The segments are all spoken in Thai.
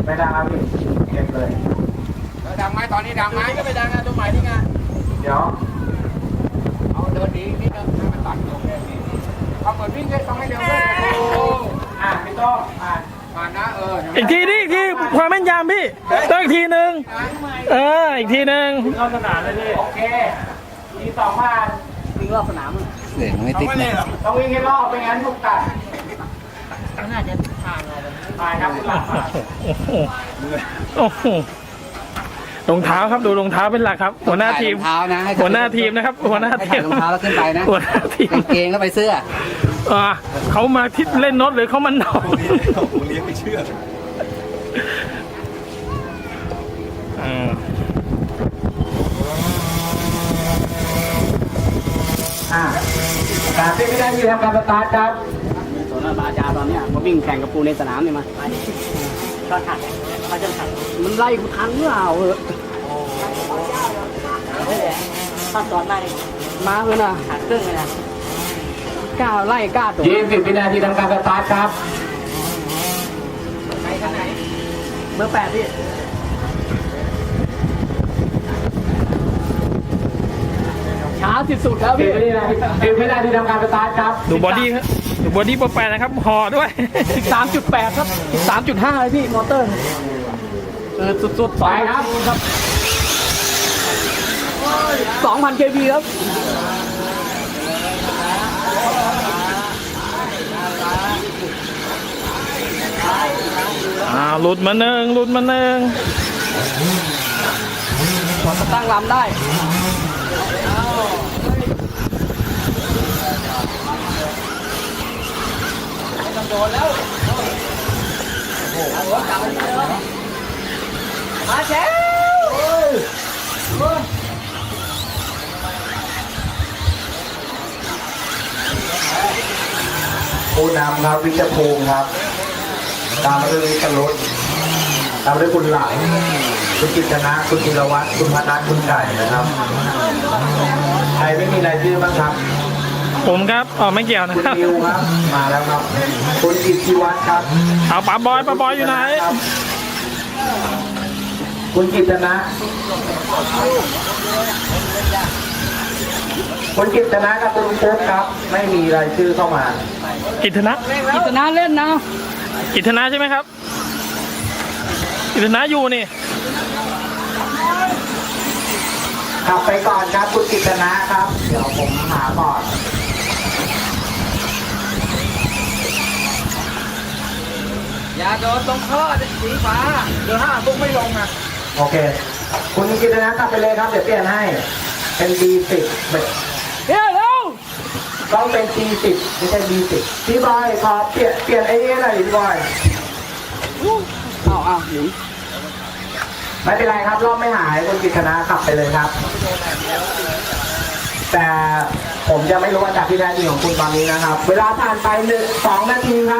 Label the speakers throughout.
Speaker 1: ไม่ดังครับพี่เก็บเลย
Speaker 2: ดังไหมตอนนี้ดังไหมก็ไม่ดังอ่ะตรงไหนนี่ไง
Speaker 1: เดี๋ยว
Speaker 2: เอาเดินดีนิดนึงให้มันตัดลงเลยเอาเหมือนวิ่งเลยต้องให้เร็วเลย
Speaker 1: พี่โต้
Speaker 2: ผ่านนะ
Speaker 3: อีกทีนี่อีกทีความแม่นยำพี่ต้องอีกทีหนึ่งอีกทีหนึ่ง
Speaker 1: รอบสนามเลยพี่โอเคมี2,000
Speaker 2: วิ่งรอบสนาม
Speaker 4: เสียงไม่ติดนะ
Speaker 1: ต้องวิ่งให้รอบไม่งั้นถูกตัด
Speaker 2: น่าจะผ่านเรา
Speaker 1: ผ่านครับหลัก
Speaker 3: โอ้โหรองเท้าครับดูรองเท้าเป็นหลักครับหัวหน้าทีมหัวหน้าทีมนะครับหัวหน้าทีม
Speaker 4: รองเท้าแล้วขึ้นไปนะ
Speaker 3: หัวหน้าทีม
Speaker 4: กางเกงก็ไปเสื้อ
Speaker 3: เขามาทิศเล่นโน้ตหรือเขามันนอน
Speaker 5: ผมเลี้ยงไม่เชื่อ
Speaker 1: การที่ไม่ได้มีทำการสตาร์ทครับ
Speaker 2: ส่วนบาจาตอนนี้มาวิ่งแข่งกับปูในสนามนี่มาก็ถัดเขาจะถัดมันไล่กูทันเมื่อเอาถ้าตอนได้มาเลยนะหัดครึ่งเลยนะก้าวไล่ก้าวตัว
Speaker 1: 20 วินาทีทำการสตาร์ทครับ
Speaker 2: ไหนกันไหนเบอร์ 8พี่ช้าที่สุดแล้วพี่
Speaker 1: 10 วินาทีทำการสตาร์ทครับ
Speaker 3: ดูบอดี้ครับดูบอดี้โปรแปรนะครับห่อด้วย
Speaker 2: 13.8 ครับ 13.5 เลยพี่มอเตอร์สุดๆ
Speaker 1: ไปครับ
Speaker 2: 2,000 kV ครับ
Speaker 3: หลุดมาหนึ่ง
Speaker 2: พอตั้งลำได้โดนแล้วมาเชฟ
Speaker 1: ผู้นำครับวิจภูมิครับตามมาด้วยวิจรุตตามด้วยคุณหลังคุณกิตนะคุณธีรวัฒน์คุณพนัทคุณไก่นะครับใครไม่มีรายชื่อบ้างครับ
Speaker 3: ผมครับไม่เกี่ยวนะ
Speaker 1: คุณนิวครับมาแล้วครับคุณกิตติวัฒน์ครับ
Speaker 3: เอาป๋าบอยอยู่ไหน
Speaker 1: คุณกิตนะคุณกิตนะกับคุณปุ๊กครับไม่มีรายชื่อเข้ามา
Speaker 3: กิตนะ
Speaker 2: เล่นนะ
Speaker 3: กิตนะใช่ไหมครับกิตนะอยู่นี่
Speaker 1: ขับไปก่อนครับคุณกิตนะครับเดี๋ยวผมหาก่อน
Speaker 2: อย่าโดนตรงข้อสีฟ้าเดี๋ยว5ปุ๊บไม่ลงนะ
Speaker 1: โอเคคุณกิตนะกลับไปเลยครับเดี๋ยวเปลี่ยนให้เป็น D10
Speaker 2: เร็ว
Speaker 1: ต้องเป็น G10 ไม่ใช่ D10 พี่บอยขอเปลี่ยนไอ้นี่หน่อยพี่บอย
Speaker 2: เอาหนี
Speaker 1: ไม่เป็นไรครับรอบไม่หายคุณกิตนะขับไปเลยครับแต่ผมจะไม่รู้ว่าจากที่แท้จริงของคุณตอนนี้นะครับเวลาผ่านไป2 นาทีครับ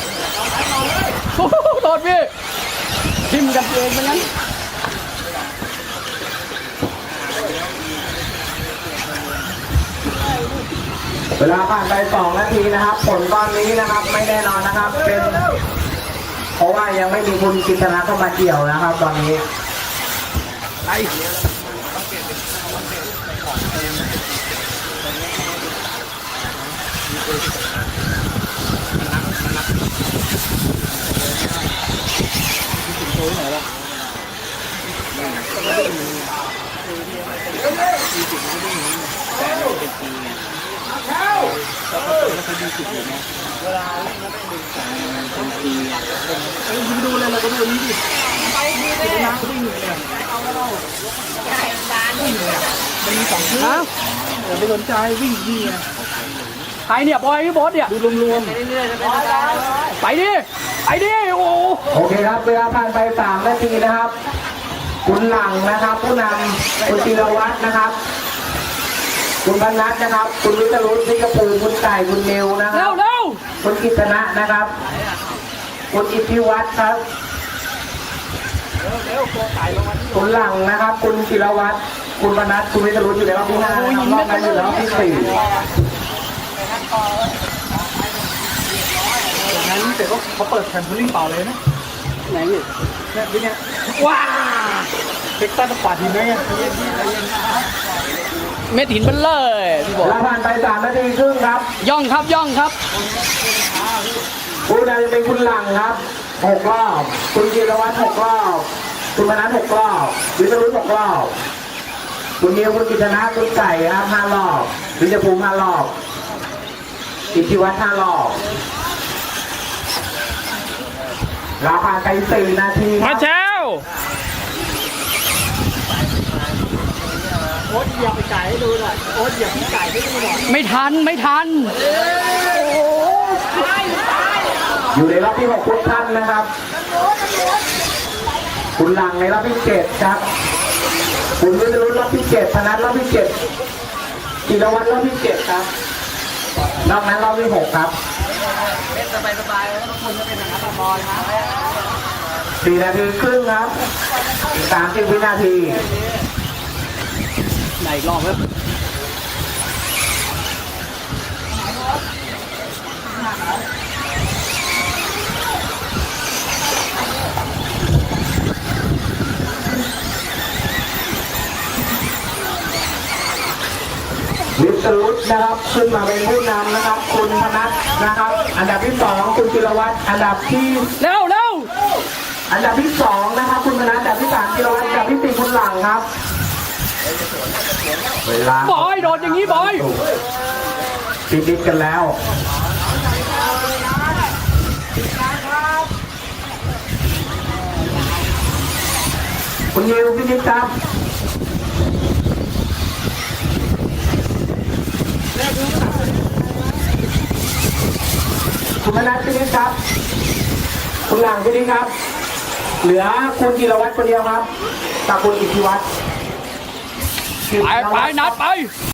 Speaker 2: โดดพี่ทิมกันเองมันงั้น
Speaker 1: เวลาผ่านไป2 นาทีนะครับผลตอนนี้นะครับไม่แน่นอนนะครับเป็นเพราะว่ายังไม่มีคุณกิตนะเข้ามาเกี่ยวนะครับตอนนี้
Speaker 2: ไปดูเลยเราก็ดูนี้ดิไปดีเลยนะวิ่งเลยมันมี2ชื่ออย่าไปสนใจวิ่งดีใครเนี่ยบอยพี่บอสเนี่ยดูรวมๆไปดิ
Speaker 1: โอเคครับเวลาผ่านไป3 นาทีนะครับคุณหลังนะครับผู้นำคุณธีรวัฒน์นะครับคุณพนัทนะครับคุณวิทรุตพี่กระปูคุณไก่คุณนิวนะครับคุณกิตนะนะครับคุณอิทธิวัฒน์ครับคุณหลังนะครับคุณธีรวัฒน์คุณพนัทคุณวิทรุตอยู่ในรอบที่5รอบนั้นอยู่ในรอบที่4
Speaker 2: นั้นเสร็จก็เขาเปิดแคมเปญเป่าเลยนะไหนว้าเด็กตั้งป่าทีไหมเม็ดหินเบลเลยพี่บอก
Speaker 1: เราผ่านไป3 นาทีครึ่งครับ
Speaker 2: ย่องครับย่องครับ
Speaker 1: ผู้นำจะเป็นคุณหลังครับ6 รอบ คุณจิรวัตร6 รอบ คุณมนัส6 รอบ วิศรุต6 รอบ คุณนิวคุณกิตนะคุณไก่ครับ5 รอบ วิจภูมิ5 รอบ อิทธิวัฒน์5 รอบ เราผ่านไป4 นาทีค
Speaker 3: มา
Speaker 1: รับ
Speaker 3: เช้า
Speaker 2: โอ๊ตเหยียบไปไก่ให้ดูหน่อยโอ๊ตเหยียบไก่ให้ดูหน่อยไม่ทันไม่ทัน
Speaker 1: อยู่ในรอบที่6ทุกท่านนะครับ คุณหลังในรอบที่7ครับ คุณวิศรุตรอบที่7พนัสรอบที่7จิรวัตรรอบที่7ครับ นอกนั้นรอบที่6ครับ
Speaker 2: สบายๆแล้วทุกคนจะเป็นนักบอลนะ
Speaker 1: 4 นาทีครึ่งครับอีก30 วินาที
Speaker 2: ไหนอีกรอบครับ
Speaker 1: วิศรุตนะครับขึ้นมาเป็นผู้นำนะครับ คุณพนัสนะครับ อันดับที่2คุณจิรวัตรอันดับที่
Speaker 2: เร็วเร็ว
Speaker 1: อันดับที่2นะครับ คุณพนัสอันดับที่3จิรวัตรอันดับที่4คุณหลังครับเวลา
Speaker 2: บอยโดดอย่างนี้บอย
Speaker 1: ติดกันแล้ว คุณยิวพินิจครับคุณมนัสพินิจครับ คุณหลังพินิจครับ เหลือคุณจิรวัตรคนเดียวครับกับคุณอิทธิวัฒน์
Speaker 2: ไปนัดไป